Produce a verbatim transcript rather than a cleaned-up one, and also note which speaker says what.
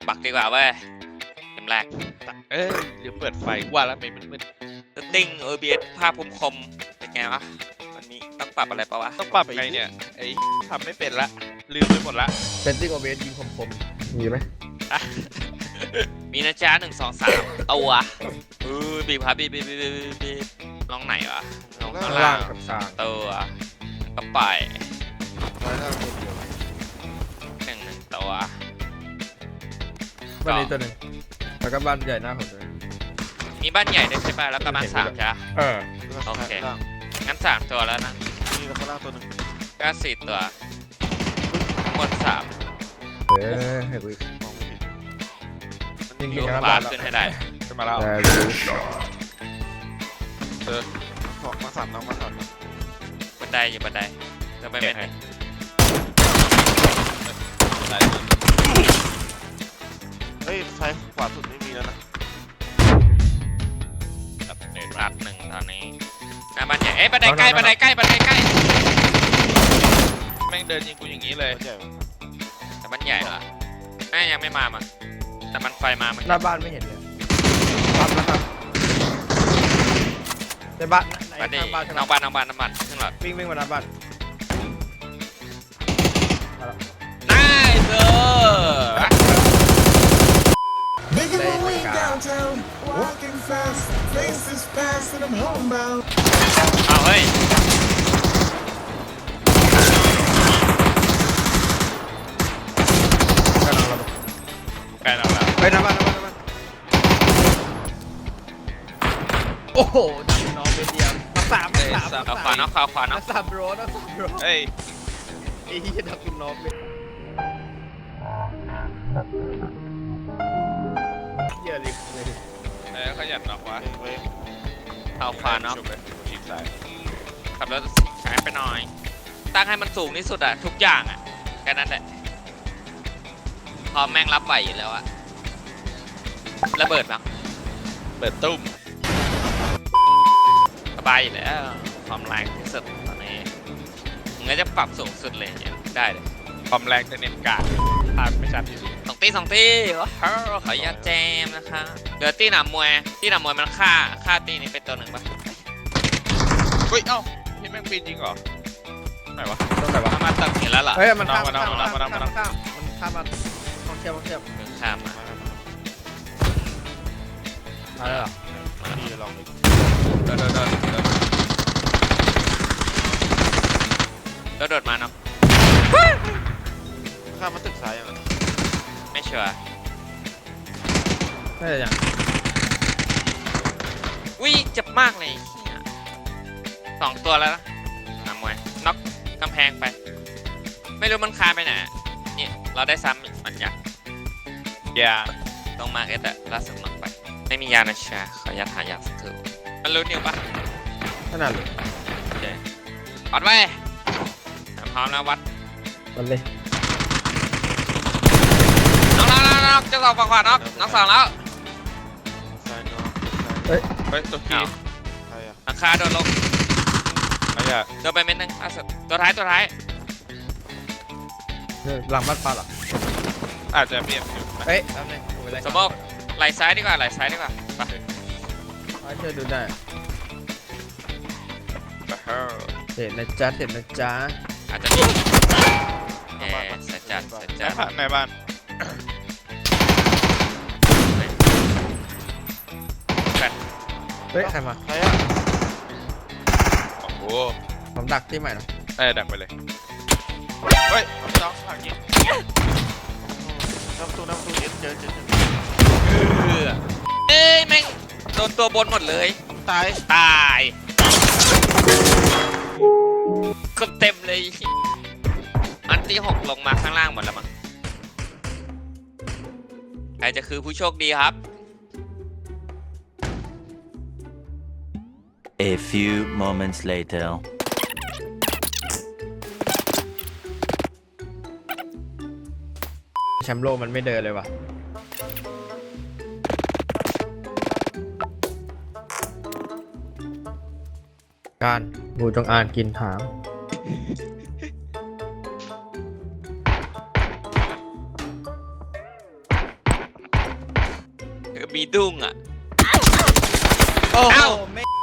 Speaker 1: บักดีกว่าเว้ยเกมแรก
Speaker 2: เอ้ยเดี๋ยวเปิดไฟว่าแล้วไม่มืด
Speaker 1: สติ้ง โอ บี เอส ภาพคมคมๆเป็นไงวะมันมีต้องปรับอะไรปะวะ
Speaker 2: ๆต้องปรับไงเนี่ยไอ้ทำไม่เป็นละลืมไปหมดละ
Speaker 3: เซตติ้งโอเบสยิงคมๆมีไหม
Speaker 1: อ่ะ มีนะจ๊ะหนึ่งสองสามตัวเออบีบครับบีบบีบบีบบีบบีบลองไหนวะลองข้าง
Speaker 3: ล่า
Speaker 1: ล่าง ง
Speaker 3: กับกลาง
Speaker 1: ตัวก็ไป
Speaker 3: ซ้ายล่างตัวเดียว
Speaker 1: หนึ่งหนึ่งตัว
Speaker 3: บ้านนี้ตัวหนึ่งแล้วก็บ้านใหญ่หน้าผมเลย
Speaker 1: มีบ้านใหญ่ด้วยใช่ป่ะแล้วก็บ้านสามใช่ปะ
Speaker 3: เออ
Speaker 1: โอเคงั้นสามตัวแล้วนะ
Speaker 4: นี่แล้วข้างล่างตัวหนึ่ง
Speaker 1: ก็สี่ตัวทั้งหมดสาม
Speaker 3: เฮ้ยให้กูอีก
Speaker 4: มองไม่เห็น
Speaker 3: ยิง
Speaker 1: อยู่
Speaker 3: ยิง
Speaker 1: ข
Speaker 3: นะ
Speaker 1: วา
Speaker 3: บ้าน
Speaker 1: ขึ้นให้ได้
Speaker 2: ขึ้นมาแล้ว
Speaker 3: ได้รู้
Speaker 2: เออ
Speaker 4: ขอมาสามน้องมาสามน้อง
Speaker 1: บันไดอยู่บันไดจะไป
Speaker 2: เก็
Speaker 1: เป็
Speaker 2: บ
Speaker 1: น
Speaker 2: ให้ได้
Speaker 4: เฮ้ยซ้ายขวาสุดไม่มีแล้วนะ
Speaker 2: ครับเน็ต
Speaker 1: รัดหนึ่งตอนนี้หน้าบ้านใหญ่เอ้ยบันไดใกล้บันไดใกล้บันไดใกล้
Speaker 2: แม่งเดินยิงกูอย่างนี้เลย
Speaker 4: ตัวใหญ่
Speaker 1: แต่บ้านใหญ่เหรอแม่ยังไม่มามาแต่มันไฟมามัน
Speaker 3: หน้าบ้านไม่เห็นเลยครับนะครับในบ้านใน
Speaker 1: บันได
Speaker 3: ข้างบ้านใช่ไหม
Speaker 1: น้องบ้านน้องบ้านน้ำมันขึ้นหลอด
Speaker 3: วิ่งวิ่งมาหน้าบ้าน
Speaker 1: น่าเจอ
Speaker 5: Making my way downtown, walking fast, faces fast, and I'm homebound.
Speaker 1: เอาเฮ้ย
Speaker 3: กำลังระเบิด
Speaker 2: ใกล้เราแล้ว
Speaker 3: ไปหน้าบ้านหน้าบ้านหน้าบ้านโอ้โหดังน้องเป็นเดียวมาสามมาสาม
Speaker 1: เอาขวาเนาะขวาขวา
Speaker 3: มา
Speaker 1: เนาะ
Speaker 3: สามโรนะสามโร
Speaker 2: เฮ้ย
Speaker 3: ไอ้ที่จะดักคุณน้องเป็นเยอะเลยเลย
Speaker 2: เอ้ยขยันหนักวะ
Speaker 4: เองเว้ย
Speaker 1: เอาขวาเนาะ
Speaker 2: ชุบเลยชิดซ้าย
Speaker 1: ขับรถช้าไปหน่อย ตั้งให้มันสูงที่สุดอะทุกอย่างอะแค่นั้นแหละพอแม่งรับไหวอยู่แล้วอะระเบิดมั้ง
Speaker 2: เปิดตุ้ม
Speaker 1: สบายอยู่แล้วความแรงที่สุดตอนนี้มึงก็จะปรับสูงสุดเลยเนี่ยได้เลย
Speaker 2: ความแรงจะเน้นกาดภาพไม่ชัดอยู่ดี
Speaker 1: สองตีสองตีว้าวขออนุญาตแจมนะคะเดี๋ยวตีหนามมวยตีหนามมวยมันฆ่าฆ่าตีนี้เป็นตัวหนึ่งปะ
Speaker 2: เฮ้ยเอ้าพี่แม่งปีนจริงเหรอไหนวะ
Speaker 3: ต้องไหนวะ
Speaker 1: ถ้ามาตึกเห็นแล้วเหรอ
Speaker 3: เฮ้ยมันข้าม
Speaker 2: มา
Speaker 3: มัน
Speaker 2: เอา
Speaker 3: ข้าม
Speaker 2: มาเอามาเอามา
Speaker 3: มันข้ามมันข้ามมันท่องเที่ยวท่องเที่ยว
Speaker 1: มึงข้ามมา
Speaker 4: มามา
Speaker 3: มาแล้วเหรอ
Speaker 4: มาพี่ลองดิ
Speaker 2: เดินเดินเดินเดิน
Speaker 1: แล้วโดดมาเนาะ
Speaker 4: ข้ามมาตึกซ้ายยังไง
Speaker 1: ไม่ชัวร์
Speaker 3: น่าจะยัง
Speaker 1: อุ้ยเจ็บมากเลยเหี้ยสองตัวแล้วนะหนามมวยน็อกกำแพงไป ไม่รู้มันคาไปไหนเนี่ยเราได้ซ้ำอีกมันอยาก
Speaker 2: ยา
Speaker 1: ตรงมาเอสอะล่าสุดน็อกไป ไม่มียานะชาขออนุญาตหายาสักครู่มันรู้นิวปะ
Speaker 3: ขนาดเลย
Speaker 1: โอเควัดไว้พร้อมแล้ววัด
Speaker 3: มันเลย
Speaker 1: น้องน้องน้องน้องจะสองฝั่งขวาน้องน้องสองแล้ว
Speaker 4: ซ้ายน้องซ้าย
Speaker 3: เฮ้ย
Speaker 2: เฮ้ยตัวคี
Speaker 1: อ้าว
Speaker 4: ใครอ่ะ
Speaker 1: หลังคาโดนลง
Speaker 2: ไม่อยาก
Speaker 1: โดนไปเม็ดนึงล่าสุดตัวท้ายตัวท้าย
Speaker 3: เนี่ยหลังบ้านปลาเหรอ
Speaker 2: อาจจะเปลี่ยนอยู่นะ
Speaker 3: เฮ้ยแป๊บนึงกูไปไล่
Speaker 1: สมองไหลซ้ายดีกว่าไหลซ้ายดีกว่าไป
Speaker 3: ให้เธอดูได้
Speaker 2: เฮ้ย
Speaker 3: เห็นนะจ๊ะเห็นนะจ๊ะ
Speaker 1: อาจจะมีเอ๊ะสัจจัดสัจ
Speaker 2: ใน
Speaker 1: จัด
Speaker 2: บ้านในบ้าน
Speaker 1: แฟน
Speaker 3: เฮ้ยใครมา
Speaker 4: ใครอ่ะ
Speaker 2: โอ้โห
Speaker 3: ผมดักที่ใหม่นะ
Speaker 2: ได้ดักไปเลยเฮ้ยน้องฝากยิง
Speaker 4: น้ำประตูน้ำประตูเอ็นเจอเจอเจอ
Speaker 1: เอ้ยแม่งโดนตัวบนหมดเลย
Speaker 4: ตาย
Speaker 1: ตายคนเต็มเลยอันที่หกลงมาข้างล่างหมดแล้วมั้งใครจะคือผู้โชคดีครับ
Speaker 6: A few moments later.
Speaker 3: แชมป์โลกมันไม่เดินเลยว่ะการงูจงอางกินหาง
Speaker 1: มีดุ้งอ่ะ
Speaker 2: โอ้โห
Speaker 1: เอ้า
Speaker 3: โอ้ไม่